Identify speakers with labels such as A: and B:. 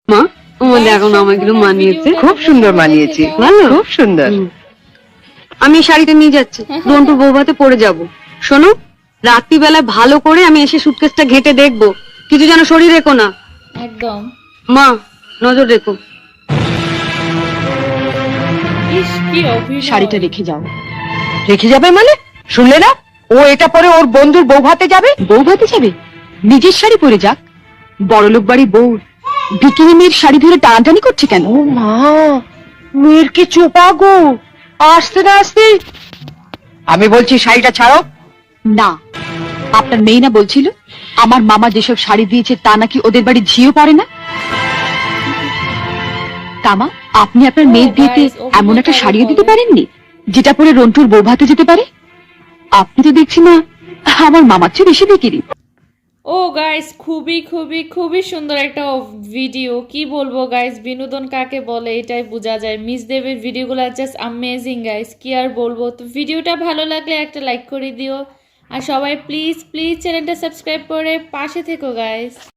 A: মা আমাদের এখন আমাকে মানিয়েছে,
B: খুব সুন্দর মানিয়েছে,
A: ভালো,
B: খুব সুন্দর।
A: আমি এই শাড়িটা নিয়ে যাচ্ছি, রন্টুর বৌভাতে পরে যাব। শোনো, রাত্রিবেলা ভালো করে আমি এসে সুটকেসটা ঘেটে দেখবো, কিছু যেন শরীর রেখো না।
C: একদম।
A: মা নজর রেখো।
C: ইস কি অভিনয়।
D: শাড়িটা রেখে যাও।
B: রেখে যাবে মানে? শুনলে না, ও এটা পরে ওর বন্ধুর বউ ভাতে যাবে।
D: বউ ভাতে যাবে? নিজের শাড়ি পরে যাক। বড়লোক বাড়ির বউ বিকিনি মেয়ের শাড়ি ধরে টানাটানি করছে কেন?
B: ও মা, মেয়ের কি চোপা গো, আসতে না আসতে। আমি বলছি শাড়িটা ছাড়ো।
D: না, আপনার মেয়ে না বলছিল আমার মামা যেসব শাড়ি দিয়েছে তা নাকি ওদের বাড়ি ঝিও পড়ে না। তামা, আপনি আপনার মেয়ের বিয়েতে এমন একটা শাড়িও দিতে পারেননি যেটা পরে রন্টুর বউ ভাতে যেতে পারে? আপনি তো দেখছি না আমার মামার চেয়ে বেশি বিক্রি।
C: ও গাইস, খুবই খুবই খুবই সুন্দর একটা ভিডিও। কি বলবো গাইস, বিনোদন কাকে বলে এটাই বোঝা যায়। মিস দেবের ভিডিওগুলো জাস্ট অ্যামেজিং গাইস, কি আর বলবো। তো ভিডিওটা ভালো লাগলে একটা লাইক করে দিও, আর সবাই প্লিজ প্লিজ চ্যানেলটা সাবস্ক্রাইব করে পাশে থেকো গাইস।